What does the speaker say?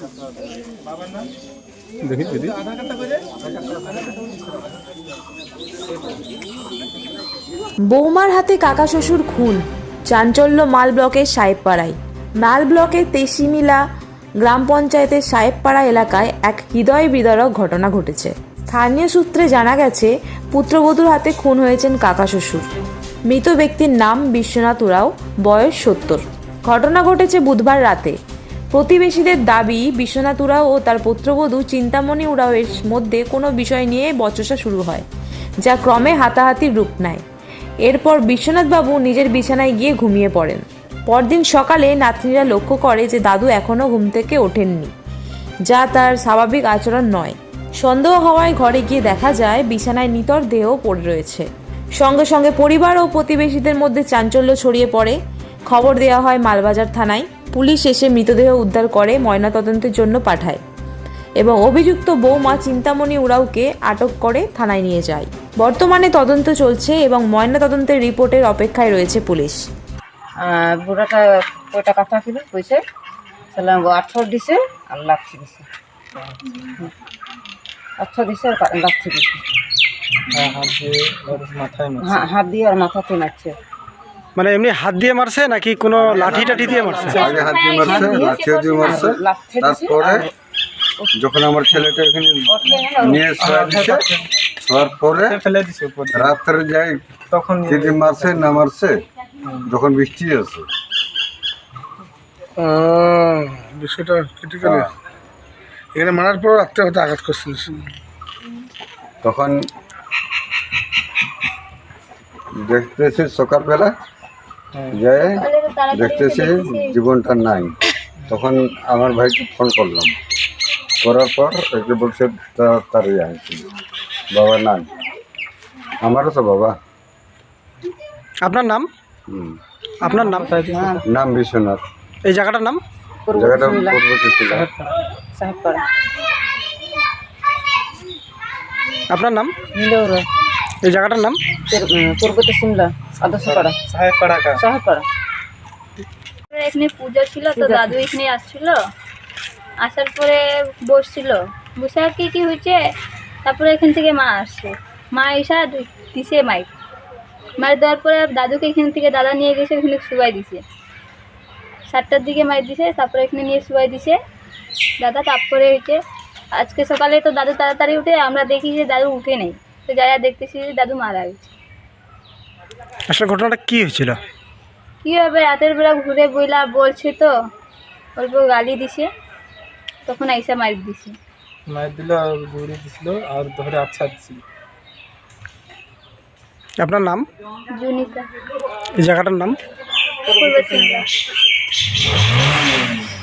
দেখি দিদি। বৌমার হাতে কাকা শ্বশুর খুন, চাঞ্চল্য মাল ব্লকের সাহেবপাড়ায়। মাল ব্লকের তেসিমিলা গ্রাম পঞ্চায়েতের সাহেবপাড়া এলাকায় এক হৃদয় বিদারক ঘটনা ঘটেছে। স্থানীয় সূত্রে জানা গেছে, পুত্রবধূর হাতে খুন হয়েছেন কাকা শ্বশুর। মৃত ব্যক্তির নাম বিশ্বনাথ উরাও, বয়স 70। ঘটনা ঘটেছে বুধবার রাতে। প্রতিবেশীদের দাবি, বিশ্বনাথ উরাও ও তার পুত্রবধূ চিন্তামণি উরাওয়ের মধ্যে কোনো বিষয় নিয়ে বচসা শুরু হয়, যা ক্রমে হাতাহাতির রূপ নেয়। এরপর বিশ্বনাথবাবু নিজের বিছানায় গিয়ে ঘুমিয়ে পড়েন। পরদিন সকালে নাতনিরা লক্ষ্য করে যে দাদু এখনও ঘুম থেকে ওঠেননি, যা তার স্বাভাবিক আচরণ নয়। সন্দেহ হওয়ায় ঘরে গিয়ে দেখা যায় বিছানায় নিথর দেহ পড়ে রয়েছে। সঙ্গে সঙ্গে পরিবার ও প্রতিবেশীদের মধ্যে চাঞ্চল্য ছড়িয়ে পড়ে। খবর দেওয়া হয় মালবাজার থানায়। পুলিশ এসে মৃতদেহ উদ্ধার করে ময়নাতদন্তের জন্য পাঠায় এবং অভিযুক্ত বৌমা চিন্তামণি উরাওকে আটক করে থানায় নিয়ে যায়। বর্তমানে তদন্ত চলছে এবং ময়নাতদন্তের রিপোর্টের অপেক্ষায় রয়েছে পুলিশ। বুড়াটা কয়টা কথা ছিল কইছে সালাম 8 দিছে আর লাচ্ছি দিছে, 8 দিছে আর লাচ্ছি দিছে। হাত দিয়ে আর মাথাতে মারছে। মানে এমনি হাত দিয়ে মারছে নাকি কোনো লাঠি টাঠি দিয়ে মারছে? আগে হাত দিয়ে মারছে, লাঠিও দিয়ে মারছে। তারপরে যখন আমার ছেলেটা এখানে নিয়ে শোয়ার পরে রাত্রে যাই তখন যদি মারছে না মারছে যখন বৃষ্টি আছে বিষয়টা ক্রিটিক্যালি এখানে মারার পর রাত্রে হয়তো আঘাত করছিল। তখন দেখতেছি সকালবেলা যাই দেখতেছি জীবনটা নাই। তখন আমার ভাইকে ফোন করলাম, করার পর একে বলছে তাড়াতাড়ি আসছি। বাবা নাই, আমারও তো বাবা। আপনার নাম? আপনার নাম? নাম বিশ্বনাথ। এই জায়গাটার নাম? জায়গাটা পূর্বতে ছিল সাহেবপাড়া। আপনার নাম? মিলৌরা। এই জায়গাটার নাম? পূর্বতে সিমলা আদর্শপাড়া। সাহেবপাড়া। এখানে পুজো ছিল তো দাদু এখানে আসছিল, আসার পরে বসছিল, বসে আর কি হয়েছে। তারপরে এখান থেকে মা আসছে, মা এসে দিছে মাইক দেওয়ার পরে দাদুকে এখান থেকে দাদা নিয়ে গেছে, ওখানে শুয়াই দিছে। 7টার দিকে মাইক দিছে, তারপরে এখানে নিয়ে শুয়াই দিছে দাদা। তারপরে হয়েছে আজকে সকালে তো দাদু তাড়াতাড়ি উঠে, আমরা দেখি যে দাদু উঠে নেই, তো যাই দেখতেছি যে দাদু মারা গেছে। আসলে ঘটনাটা কি হয়েছিল? কী হবে, রাতের বেলা ঘুরে বইলা বলছে তো, অল্প গালি দিছে, তখন আইসা মাইর দিছে। মাইর দিল আর দৌড়ে দিছিল আর ধরে আচ্ছা দিছিল। আপনার নাম? জুনিতা। এই জায়গাটার নাম? পূর্ব সিংলা।